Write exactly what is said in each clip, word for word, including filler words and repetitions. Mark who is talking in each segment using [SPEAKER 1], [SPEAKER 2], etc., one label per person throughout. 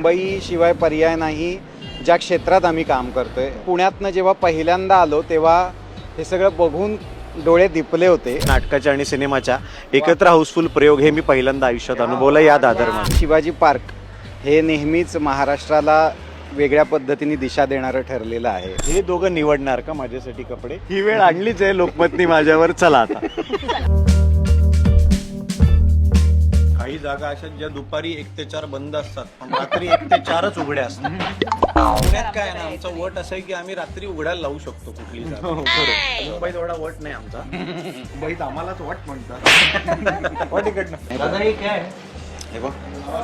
[SPEAKER 1] मुंबई शिवाय पर्याय नाही ज्या क्षेत्रात आम्ही काम करतोय. पुण्यातनं जेव्हा पहिल्यांदा आलो तेव्हा हे सगळं बघून डोळे दिपले होते.
[SPEAKER 2] नाटकाच्या आणि सिनेमाच्या एकत्र हाऊसफुल प्रयोग हे मी पहिल्यांदा आयुष्यात अनुभवलं या दादरमध्ये.
[SPEAKER 1] शिवाजी पार्क हे नेहमीच महाराष्ट्राला वेगळ्या पद्धतीने दिशा देणारं ठरलेलं आहे.
[SPEAKER 2] हे दोघं निवडणार का माझ्यासाठी कपडे? ही वेळ आणलीच आहे लोकमतनी माझ्यावर. चला आता. काही जागा अशा ज्या दुपारी एक ते चार बंद असतात पण रात्री एक ते चारच उघड्या असतात. पुण्यात काय आहे ना, आमचा वट असं आहे की आम्ही रात्री उघडायला लावू शकतो कुठली जागा. मुंबईत एवढा वट नाही आमचा.
[SPEAKER 3] मुंबईत आम्हालाच वट म्हणतात.
[SPEAKER 2] वट इकडनं
[SPEAKER 3] दादा हे काय आहे?
[SPEAKER 2] हे बघ.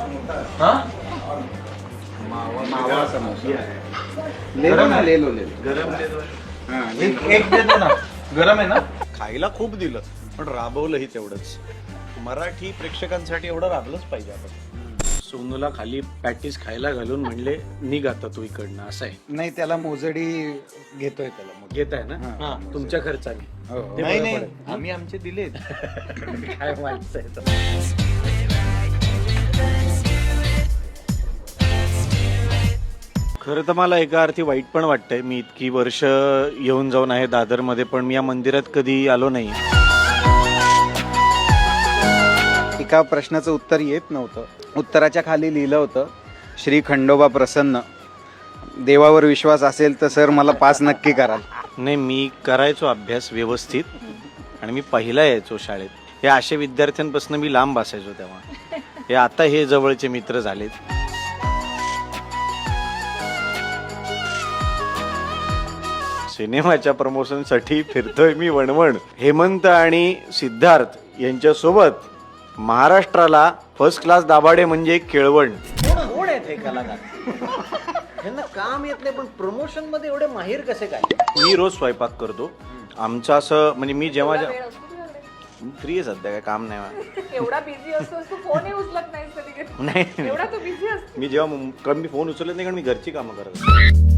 [SPEAKER 1] मावा समोसा
[SPEAKER 3] गरम आहे.
[SPEAKER 1] लेलो लेलो
[SPEAKER 2] गरम देतो.
[SPEAKER 3] एक एक देतो ना. गरम आहे ना.
[SPEAKER 2] खायला खूप दिलं पण राबवलंही तेवढंच. मराठी प्रेक्षकांसाठी एवढं राबलंच पाहिजे आपण. सोनूला खाली पॅटीस खायला घालून म्हणले निघ आता तू इकडनं. असं आहे.
[SPEAKER 1] नाही, त्याला मोजडी घेतोय त्याला मग.
[SPEAKER 2] घेत आहे ना
[SPEAKER 3] हा.
[SPEAKER 2] तुमच्या खर्चाने.
[SPEAKER 1] हो.
[SPEAKER 2] ते
[SPEAKER 3] नाही
[SPEAKER 2] बरं
[SPEAKER 3] नाही
[SPEAKER 2] पडेल.
[SPEAKER 3] आम्ही आमचे दिलेत.
[SPEAKER 2] काय माहिती. खरं तर मला एका अर्थी वाईट पण वाटतंय. मी इतकी वर्ष येऊन जाऊन आहे दादरमध्ये पण मी या मंदिरात कधी आलो नाही.
[SPEAKER 1] एका प्रश्नाचं उत्तर येत नव्हतं. उत्तराच्या खाली लिहिलं होतं, श्री खंडोबा प्रसन्न. देवावर विश्वास असेल तर सर मला पास नक्की कराल.
[SPEAKER 2] नाही, मी करायचो अभ्यास व्यवस्थित आणि मी पहिला यायचो शाळेत. हे अशा विद्यार्थ्यांपासून मी लांब असायचो तेव्हा. हे आता हे जवळचे मित्र झालेत. सिनेमाच्या प्रमोशनसाठी फिरतोय मी वणवण. हेमंत आणि सिद्धार्थ यांच्यासोबत महाराष्ट्राला फर्स्ट क्लास दाभाडे म्हणजे केळवण. कोण आहेत हे कलाकार? यांना काम येत नाही पण प्रमोशन मध्ये एवढे माहीर कसे काय? मी रोज स्वयंपाक करतो. आमचं असं म्हणजे मी जेव्हा फ्री आहे सध्या, काय काम नाही मला.
[SPEAKER 4] एवढा बिझी असतोस तू, फोनही उचलत नाहीस कधी कधी.
[SPEAKER 2] नाही
[SPEAKER 4] एवढा तू बिझी असतो.
[SPEAKER 2] मी जेव्हा मुं- कारण मी फोन उचलत नाही कारण मी घरची कामं करत असतो.